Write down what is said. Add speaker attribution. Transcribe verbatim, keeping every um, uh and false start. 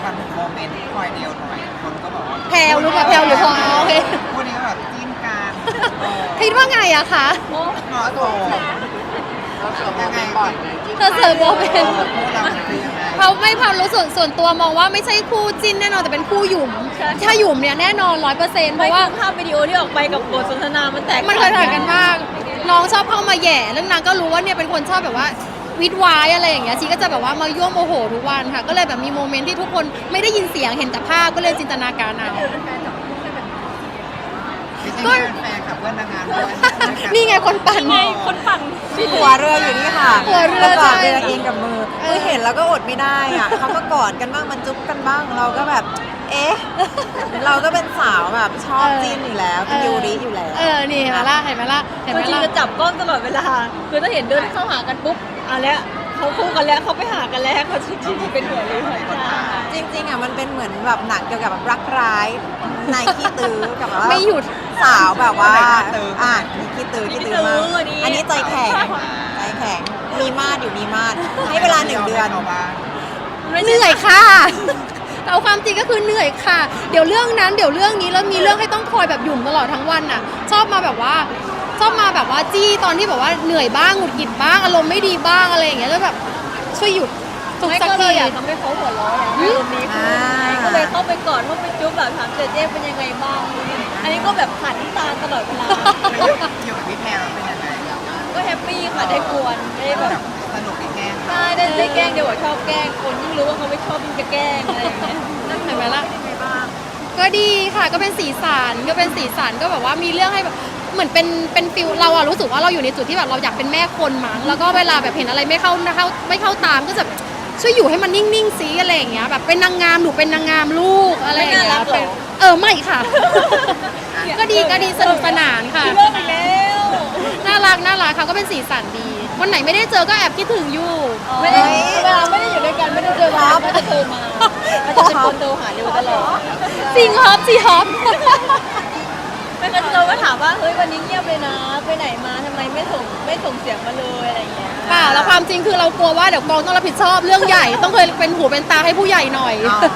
Speaker 1: ถามถึงโมเมนต์ที่คอยเดียวหน่อยคนก็บอกว่า
Speaker 2: แพลวรู้ป่ะแพลวหรือพลอยโอเค
Speaker 1: คู่นี้แบบจิ้นกันเออ
Speaker 2: คิดว่าไงอะคะ
Speaker 1: เหมาะสมยังไงก่อน
Speaker 2: เธอเสิร์ฟโมเมนต์
Speaker 1: คู่เราเป็นยังไง
Speaker 2: เขาไม่พารู้ส่วนส่วนตัวมองว่าไม่ใช่คู่จิ้นแน่นอนแต่เป็นคู่หยุ่มถ้าหยุ่มเนี่ยแน่นอนร้อยเปอร์เซ็นต์เพ
Speaker 3: ไม่
Speaker 2: ราะว่า
Speaker 3: คือภาพวิดีโอที่ออกไปกับบทสนทนามันแตก
Speaker 2: มันเคยถ่ายกันมาก น้องชอบเข้ามาแหย่แล้วนางก็รู้ว่าเนี่ยเป็นคนชอบแบบว่าวิดวายอะไรอย่างเงี้ยชีก็จะแบบว่ามายั่วโมโหทุกวันค่ะ ก็เลยแบบมีโมเมนต์ที่ทุกคนไม่ได้ยินเสียงเห็นแต่ภาพก็เลยจินตนาการเอา
Speaker 1: ก็แฟนกับเพื่อนนางงามด้วย
Speaker 2: นี่ไงคนปั่น
Speaker 3: ไงคนปั่น
Speaker 4: หัวเรืออยู่นี่ค่ะ
Speaker 2: หัวเรือ
Speaker 4: แล้วกอด
Speaker 2: ใช่
Speaker 4: เรือเองกับมือ
Speaker 2: เออ
Speaker 4: เออเห็นแล้วก็อดไม่ได้อ่ะเขาก็กอดกันบ้างมันจุ๊บกันบ้างเราก็แบบ เอ๊ะ เราก็เป็นสาวแบบชอบจีนอยู่แล้วเป็นยูริอยู่แล้ว
Speaker 2: เออนี่เห็นไหมล่ะเห็นไหมล่ะเห็นไหม
Speaker 3: คือจริง
Speaker 2: ล่ะ
Speaker 3: จะจับกล้องตลอดเวลา คือถ้าเห็นเดินเข้าหากันปุ๊บอ่ะแล้วเขาคู่กันแล้วเขาไปหากันแล้วเขาจริงๆเป็นหัวเรือใช่
Speaker 4: จริงๆอ่ะมันเป็นเหมือนแบบหนังเกี่ยวกับแบบรักร้ายในขี้ตื้อกับแบบว่า
Speaker 2: ไม่หยุด
Speaker 4: สาวแบบว่าอ่ะมีขี้ตื้อขี้ตื้อมากอันนี้ใจแข็งใจแข็งมีมาดอยู่มีมาดให้เวลาหนึ่งเดือน
Speaker 2: เหนื่อยค่ะ เอาความจริงก็คือเหนื่อยค่ะ เดี๋ยวเรื่องนั้นเดี๋ยวเรื่องนี้แล้วมีเรื่องให้ต้องคอยแบบหยุ่มตลอดทั้งวันน่ะ ชอบมาแบบว่าชอบมาแบบว่าจี้ตอนที่แบบว่าเหนื่อยบ้างหงุดหงิดบ้างอารมณ์ไม่ดีบ้างอะไรอย่างเงี้ยแล้วแบบช่วยหยุดทุก
Speaker 3: ไม่
Speaker 2: สัก
Speaker 3: ก็เล
Speaker 2: ที
Speaker 3: ยอยากทำให้เขาหัวเราะอารมณ์ดีขึ้นก็เลยเข้าไปกอดเข้าไปจุ๊บแบบถามเจเจเป็นยังไงบ้าง อันนี้ก็แบบผ่านน้ำตาตลอดเวลา
Speaker 1: อยู่กับพี่แพรเป็นยังไง
Speaker 3: ก็แฮปปี้ค่ะได้กวนได้แบบ
Speaker 1: สนุกอีกแง่
Speaker 3: ใช่ได้ได้แกล้งเดี๋ยวชอบแกล้งคนยิ่งรู้ว่าเขาไม่ชอบยิ่งจะแกล้งอะไรอย่างเงี้ย
Speaker 2: เห็นไหมล่ะก็ดีค่ะก็เป็นสีสันก็เป็นสีสันก็แบบว่ามีเรื่องให้แบบเหมือนเป็นเป็นฟิลเราอะรู้สึกว่าเราอยู่ในจุดที่แบบเราอยากเป็นแม่คนมั้งแล้วก็เวลาแบบเห็นอะไรไม่เข้าเข้าไม่เข้าตามก็จะช่วยอยู่ให้มันนิ่งๆซิอะไรอย่างเงี้ยแบบเป็นนางงามหนูเป็นนางงามลูกอะไรอย่างเงี้ยเป็นเออไม่ค่ะ ก็ดีก็ดีสนุกสนานค่ะ
Speaker 3: เลิกไปแล้ว
Speaker 2: น่ารักน่ารักค่ะก็เป็นสีสันดี วันไหนไม่ได้เจอก็แอบคิดถึงอยู่
Speaker 3: ไม่ได้เวลาไม่ได้อยู่ด้วยกันไม่ได้เจอกันก็จะโทรมาก็จะเป็นคนโทรหาเดียวตลอด
Speaker 2: ซิงฮอปซีฮอป
Speaker 3: ไม่ก็เราก็ถามว่าเฮ้ยวันนี้เงียบเลยนะ ไปไหนมาทำไมไม่ส่งไม่ส่งเสียงมาเลยอะไรอย่างเงี้ย
Speaker 2: เปล่าแล้วความจริงคือเรากลัวว่าเดี๋ยวกองต้องรับผิดชอบเรื่องใหญ่ต้องเคยเป็นหูเป็นตาให้ผู้ใหญ่หน่อย